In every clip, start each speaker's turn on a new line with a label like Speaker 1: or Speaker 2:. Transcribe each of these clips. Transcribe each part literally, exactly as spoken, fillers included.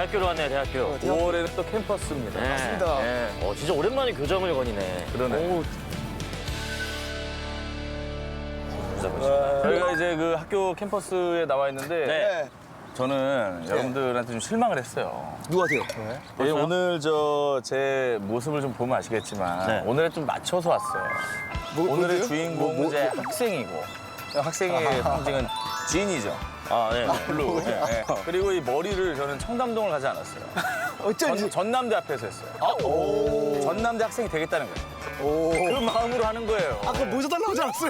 Speaker 1: 대학교로 왔네요, 대학교.
Speaker 2: 오월에는 또 캠퍼스입니다.
Speaker 1: 네.
Speaker 3: 맞습니다.
Speaker 1: 네. 어, 진짜 오랜만에 교정을 거니네.
Speaker 2: 그러네.
Speaker 1: 오.
Speaker 2: 저희가 이제 그 학교 캠퍼스에 나와 있는데
Speaker 1: 네.
Speaker 2: 저는 여러분들한테 좀 실망을 했어요.
Speaker 3: 누구세요?
Speaker 2: 예,
Speaker 1: 벌써요?
Speaker 2: 오늘 저 제 모습을 좀 보면 아시겠지만
Speaker 1: 네.
Speaker 2: 오늘에 좀 맞춰서 왔어요.
Speaker 3: 뭐,
Speaker 2: 오늘의
Speaker 3: 뭐죠?
Speaker 2: 주인공은
Speaker 3: 뭐, 뭐,
Speaker 2: 이제 학생이고 학생의 상징은 진이죠.
Speaker 1: 아, 네.
Speaker 2: 블루. 예, 예. 그리고 이 머리를 저는 청담동을 가지 않았어요.
Speaker 3: 어쩐지.
Speaker 2: 전, 전남대 앞에서 했어요. 전남대 학생이 되겠다는 거예요.
Speaker 3: 오.
Speaker 2: 그 마음으로 하는 거예요.
Speaker 3: 아까 모자 달라고 하지 않았어요?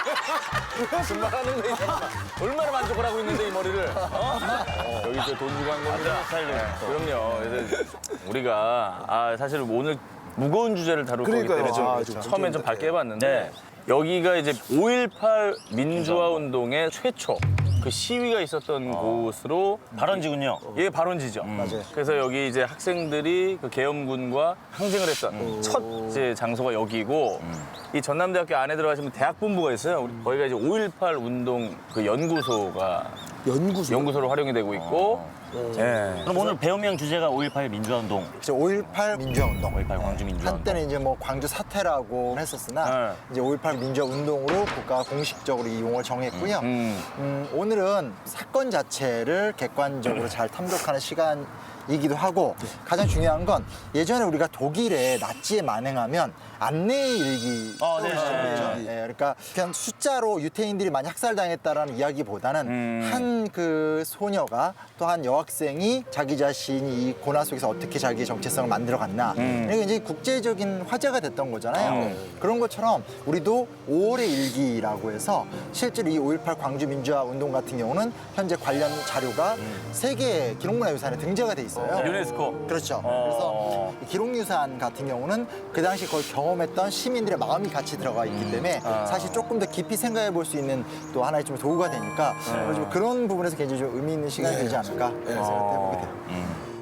Speaker 2: 정말 하는 거예요. 얼마나 만족을 하고 있는데 이 머리를. 어? 여기 이제 돈 주고 한 겁니다.
Speaker 1: 스타일도
Speaker 2: 네,
Speaker 1: 있고.
Speaker 2: 그럼요. 그래서 우리가 아, 사실 오늘 무거운 주제를 다룰 거기
Speaker 3: 그러니까요.
Speaker 2: 때문에 좀
Speaker 3: 아,
Speaker 2: 그렇죠.
Speaker 3: 그렇죠.
Speaker 2: 처음엔 좀 밝게 해봤는데
Speaker 1: 네.
Speaker 2: 여기가 이제 오일팔 민주화 운동의 최초 그 시위가 있었던 곳으로
Speaker 1: 발원지군요.
Speaker 2: 이게 발원지죠.
Speaker 3: 맞아요.
Speaker 2: 그래서 여기 이제 학생들이 그 계엄군과 항쟁을 했던 첫 이제 장소가 여기고 이 전남대학교 안에 들어가시면 대학본부가 있어요. 우리 거기가 이제 오일팔 운동 그 연구소가
Speaker 3: 연구소.
Speaker 2: 연구소로 활용이 되고 있고 예.
Speaker 1: 그럼 오늘 배우명 주제가 오일팔 민주화운동,
Speaker 4: 오일팔 민주화운동.
Speaker 1: 오일팔 광주 민주화운동.
Speaker 4: 한때는 이제 뭐 광주 사태라고 했었으나
Speaker 2: 네.
Speaker 4: 이제 오일팔 민주화운동으로 국가가 공식적으로 이 용어를 정했고요.
Speaker 2: 음.
Speaker 4: 음, 오늘은 사건 자체를 객관적으로 잘 탐독하는 시간이기도 하고 가장 중요한 건 예전에 우리가 독일에 나치에 만행하면 안내 일기
Speaker 1: 아, 네,
Speaker 4: 떠오르시죠?
Speaker 1: 네,
Speaker 4: 예, 그러니까 그냥 숫자로 유태인들이 많이 학살당했다라는 이야기보다는
Speaker 2: 음.
Speaker 4: 한 그 소녀가 또 한 여학생이 자기 자신이 이 고난 속에서 어떻게 자기의 정체성을 만들어갔나
Speaker 2: 음.
Speaker 4: 이게 이제 국제적인 화제가 됐던 거잖아요.
Speaker 2: 음.
Speaker 4: 그런 것처럼 우리도 오월의 일기라고 해서 실제로 이 오일팔 광주 민주화 운동 같은 경우는 현재 관련 자료가 세계 기록문화유산에 등재가 돼 있어요.
Speaker 2: 유네스코.
Speaker 4: 그렇죠.
Speaker 2: 어.
Speaker 4: 그래서 이 기록유산 같은 경우는 그 당시 그걸 경험했던 시민들의 마음이 같이 들어가 있기 때문에
Speaker 2: 아.
Speaker 4: 사실 조금 더 깊이 생각해 볼 수 있는 또 하나의 좀 도구가 되니까 좀 그런 부분에서 굉장히 좀 의미 있는 시간이 되지 않을까 그런 생각해 보게 돼요.
Speaker 2: 음.